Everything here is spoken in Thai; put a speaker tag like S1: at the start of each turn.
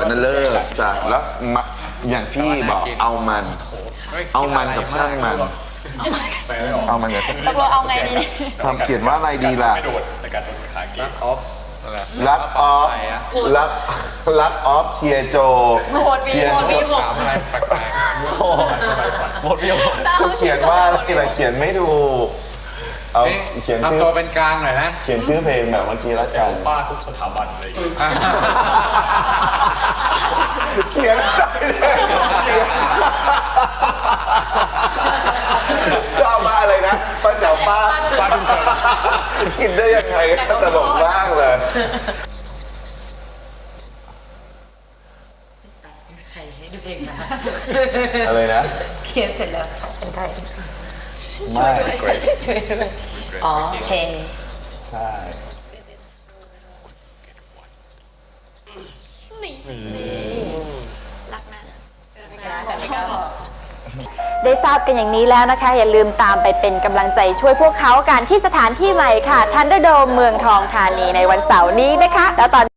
S1: นั้นเลิกจ้ะแล้วอย่างที่บอกเอามันกับช่างมันเอามันกับช่าง
S2: ตกลงเอาไงดี
S1: ทำเขียนว่าอะไรดีล่ะ
S3: ไม่โดดสกัดขาเกต
S1: รักออฟรักออฟเชียร์โจ
S2: เชียร์โจ
S3: ถามอะไรแปลกๆหมดพี่
S1: เขาเขียนว่าอะไรล่ะเขียนไม่ถูกเอาเขียนชื่อ
S3: ทำตัวเป็นกลางหน่อยนะ
S1: เขียนชื่อเพลงแบบเมื่อกี้ละกัน
S3: ป้าทุกสถาบันเลย
S1: เขียนได้เลยชอบมากเลยนะป้าแจ๋วป้าทุกสถาบันกินได้ยังไงตลกมากเลย
S4: ให้ดูเองนะ
S1: อะไรนะ
S4: เขียนเสร็จแล้วเป็นไทย
S1: ไม่
S4: ช่วยด้วยอ๋อเพลง
S1: ใช่
S2: รักนะ
S4: แต่ไม่กล้าบอก
S2: ได้ทราบกันอย่างนี้แล้วนะคะอย่าลืมตามไปเป็นกำลังใจช่วยพวกเขากันที่สถานที่ใหม่ค่ะทันเดอร์โดมเมืองทองธานีในวันเสาร์นี้นะคะแล้วตอน